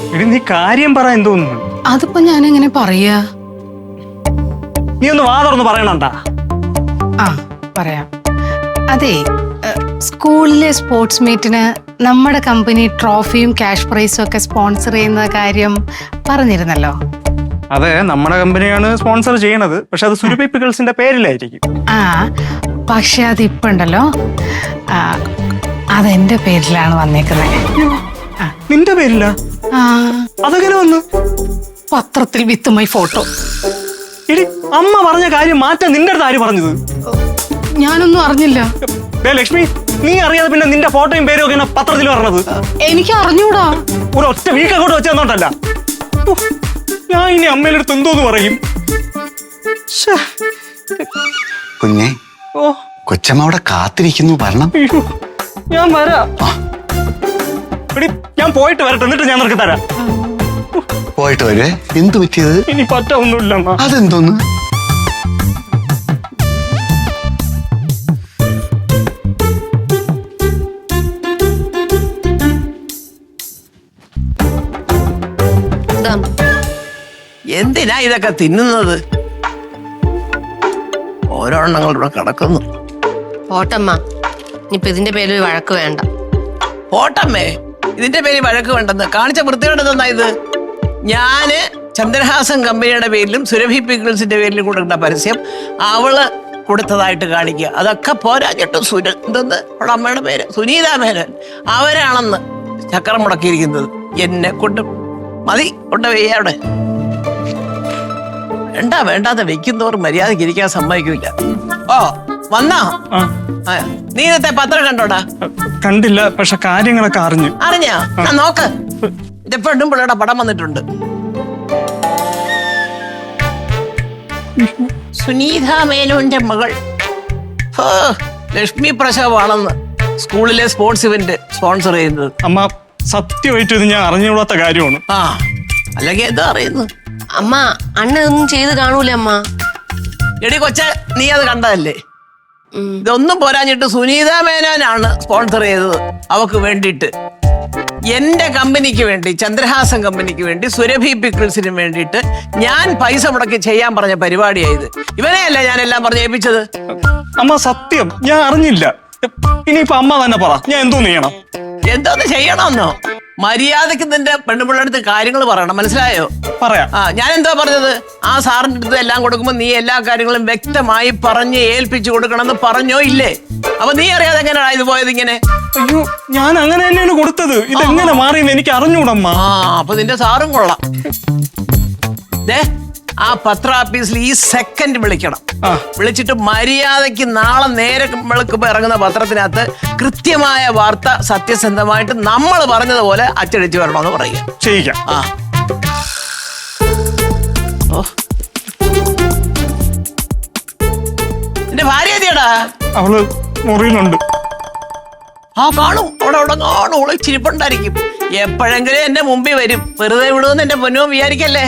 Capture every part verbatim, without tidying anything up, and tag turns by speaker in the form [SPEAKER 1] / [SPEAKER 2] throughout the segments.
[SPEAKER 1] എടി നീ കാര്യം പറ എന്തോന്നു.
[SPEAKER 2] അതിപ്പോ ഞാൻ എങ്ങനെ പറയാ?
[SPEAKER 1] നീ ഒന്ന് വാ തുറന്ന് പറയണണ്ടാ.
[SPEAKER 2] ആ പറയാം. അതെ, സ്കൂളിലെ സ്പോർട്സ് മീറ്റിന് നമ്മുടെ കമ്പനി ട്രോഫിയും ക്യാഷ് പ്രൈസും ഒക്കെ സ്പോൺസർ ചെയ്യുന്ന കാര്യം പറഞ്ഞിരുന്നല്ലോ.
[SPEAKER 1] അതെ, നമ്മുടെ കമ്പനിയാണ് സ്പോൺസർ ചെയ്യണത്. പക്ഷെ അത് സുരഭി പിക്കിൾസിന്റെ പേരിലായിരിക്കും.
[SPEAKER 2] ആ പക്ഷെ അതിപ്പോ ഉണ്ടല്ലോ, അതെന്റെ പേരിലാണ് വന്നേക്കുന്നത്.
[SPEAKER 1] നിന്റെ പേരില്ല?
[SPEAKER 2] ആ
[SPEAKER 1] അതെങ്ങനെ വന്നു?
[SPEAKER 2] പത്രത്തിൽ വിത്തുമായി ഫോട്ടോ.
[SPEAKER 1] എടി, അമ്മ പറഞ്ഞ കാര്യം മാറ്റാൻ നിന്റെ അടുത്ത് ആര് പറഞ്ഞത്?
[SPEAKER 2] ഞാനൊന്നും അറിഞ്ഞില്ല.
[SPEAKER 1] ലക്ഷ്മി, നീ അറിയാതെ പിന്നെ നിന്റെ ഫോട്ടോയും പേരും ഒക്കെ പത്രത്തിൽ പറഞ്ഞത്?
[SPEAKER 2] എനിക്ക് അറിഞ്ഞൂടാ.
[SPEAKER 1] ഒരു ഒറ്റ വീക്ക് അങ്ങോട്ട് വെച്ചെന്നോട്ടല്ല. ഞാൻ ഇനി അമ്മയുടെ അടുത്ത് എന്തോന്ന് പറയും?
[SPEAKER 3] കുഞ്ഞെ,
[SPEAKER 1] ഓ
[SPEAKER 3] കൊച്ചമ്മ അവിടെ കാത്തിരിക്കുന്നു, വരണം.
[SPEAKER 1] ഞാൻ വരാം. എടി, ഞാൻ പോയിട്ട് വരട്ടെ, എന്നിട്ട് ഞാൻ നിനക്ക് തരാം.
[SPEAKER 3] പോയിട്ട് വരുവേ. എന്തു പറ്റിയത്?
[SPEAKER 1] ഇനി പറ്റൊന്നുമില്ല.
[SPEAKER 3] അതെന്തോന്ന്?
[SPEAKER 4] എന്തിനാ ഇതൊക്കെ തിന്നുന്നത്? ഓരോ എണ്ണങ്ങൾ ഇവിടെ കിടക്കുന്നു.
[SPEAKER 5] പോട്ടമ്മ, ഇനിയിപ്പൊ ഇതിന്റെ പേരിൽ വഴക്ക് വേണ്ട.
[SPEAKER 4] പോട്ടമ്മേ, ഇതിന്റെ പേരിൽ വഴക്ക് വേണ്ടെന്ന് കാണിച്ച വൃത്തിയോടെ തന്നാ ഇത്. ഞാന് ചന്ദ്രഹാസൻ കമ്പനിയുടെ പേരിലും സുരഭി പിക്കിൾസിന്റെ പേരിലും കൊടുക്കുന്ന പരസ്യം അവള് കൊടുത്തതായിട്ട് കാണിക്കുക. അതൊക്കെ പോരാഞ്ഞിട്ട് സുര എന്തെന്ന് അവളുടെ അമ്മയുടെ പേര് സുനീത മേനോൻ, അവരാണെന്ന് ചക്രം മുടക്കിയിരിക്കുന്നത്. എന്നെ കൊണ്ട് മതി, കൊണ്ട് വെയ്യ അവിടെ. വേണ്ട വേണ്ടാതെ വെക്കുന്നവർ മര്യാദക്ക് ഇരിക്കാൻ സമ്മതിക്കില്ല. ഓ വന്നാ? നീ ഇന്നത്തെ പത്രം കണ്ടോടാ?
[SPEAKER 1] കണ്ടില്ല, പക്ഷെ കാര്യങ്ങളൊക്കെ അറിഞ്ഞു.
[SPEAKER 4] അറിഞ്ഞാ? നോക്ക്, എന്റെ പെണ്ണും പിള്ളേരുടെ പടം വന്നിട്ടുണ്ട്. സുനീത മേനോന്റെ മകൾ ലക്ഷ്മി പ്രസവാണെന്ന് സ്കൂളിലെ സ്പോർട്സ് ഇവന്റ് സ്പോൺസർ ചെയ്യുന്നത്.
[SPEAKER 1] അമ്മ, സത്യമായിട്ട് ഇത് ഞാൻ അറിഞ്ഞുകൂടാത്ത കാര്യമാണ്.
[SPEAKER 4] ആ അല്ലെങ്കിൽ എന്താ അറിയുന്നു?
[SPEAKER 5] അമ്മ, അണ്ണ ഒന്നും ചെയ്ത് കാണൂല അമ്മ.
[SPEAKER 4] എടി കൊച്ച, നീ അത് കണ്ടതല്ലേ? ഇതൊന്നും പോരാഞ്ഞിട്ട് സുനീത മേനോനാണ് സ്പോൺസർ ചെയ്തത് അവക്ക് വേണ്ടിയിട്ട്. എന്റെ കമ്പനിക്ക് വേണ്ടി, ചന്ദ്രഹാസൻ കമ്പനിക്ക് വേണ്ടി, സുരഭി പിക്കിൾസിന് വേണ്ടിയിട്ട് ഞാൻ പൈസ മുടക്കി ചെയ്യാൻ പറഞ്ഞ പരിപാടിയായത്. ഇവനെയല്ല ഞാൻ എല്ലാം പറഞ്ഞ് ഏൽപ്പിച്ചത്.
[SPEAKER 1] അമ്മ, സത്യം ഞാൻ അറിഞ്ഞില്ല. ഇനിയിപ്പൊ അമ്മ തന്നെ പറ, ഞാൻ എന്തോന്ന് ചെയ്യണം?
[SPEAKER 4] എന്തോന്ന് ചെയ്യണമെന്നോ? മര്യാദക്ക് നിന്റെ പെണ്ണുപിള്ളയുടെ അടുത്ത് കാര്യങ്ങൾ പറയണം, മനസ്സിലായോ?
[SPEAKER 1] പറയാം.
[SPEAKER 4] ആ ഞാൻ എന്താ പറഞ്ഞത്? ആ സാറിന്റെ അടുത്ത് എല്ലാം കൊടുക്കുമ്പോ നീ എല്ലാ കാര്യങ്ങളും വ്യക്തമായി പറഞ്ഞ് ഏൽപ്പിച്ചു കൊടുക്കണമെന്ന് പറഞ്ഞോ ഇല്ലേ? അപ്പൊ നീ അറിയാതെ എങ്ങനെയാ ഇത് പോയത് ഇങ്ങനെ?
[SPEAKER 1] അയ്യോ, ഞാൻ അങ്ങനെ തന്നെയാണ് കൊടുത്തത്. ഇതെങ്ങനെ മാറിയെന്ന് എനിക്ക് അറിഞ്ഞൂടമ്മ.
[SPEAKER 4] ആ അപ്പൊ നിന്റെ സാറും കൊള്ളാം. ദേ, ആ പത്ര ഓഫീസിൽ ഈ സെക്കൻഡ് വിളിക്കണം. വിളിച്ചിട്ട് മര്യാദയ്ക്ക് നാളെ നേരെ വെളുക്കുമ്പോ ഇറങ്ങുന്ന പത്രത്തിനകത്ത് കൃത്യമായ വാർത്ത സത്യസന്ധമായിട്ട് നമ്മൾ പറഞ്ഞതുപോലെ അച്ചടിച്ചു വരണമെന്ന് പറയുക.
[SPEAKER 1] ചെയ്യിക്കാം.
[SPEAKER 4] ആ ഓ, എന്റെ ഭാര്യ എത്തിയടാ?
[SPEAKER 1] അവള് മുറിയിലുണ്ട്.
[SPEAKER 4] ആ കാണും, അവിടെ അവിടെ കാണും. ഓള് ചിരിപ്പുണ്ടായിരിക്കും. എപ്പോഴെങ്കിലും എന്റെ മുമ്പിൽ വരും. വെറുതെ വിടുമെന്ന് എന്റെ പൊന്നോ വിചാരിക്കല്ലേ.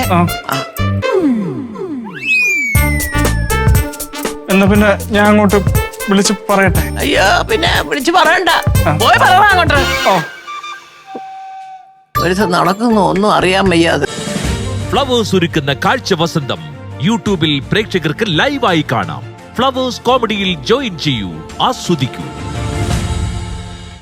[SPEAKER 1] എന്നാ പിന്നെ ഞാൻ അങ്ങോട്ട് വിളിച്ച് പറയട്ടെ?
[SPEAKER 4] അയ്യോ, പിന്നെ വിളിച്ച് പറയണ്ട, പോയി പറയണ അങ്ങോട്ട്. ഒരു നടക്കുന്നു ഒന്നും അറിയാൻ വയ്യാതെ.
[SPEAKER 6] ഫ്ലവേഴ്സ് ഒരുക്കുന്ന കാഴ്ച വസന്തം യൂട്യൂബിൽ പ്രേക്ഷകർക്ക് ലൈവായി കാണാം. ഫ്ലവേഴ്സ് കോമഡിയിൽ ജോയിൻ ചെയ്യൂ, ആസ്വദിക്കൂ.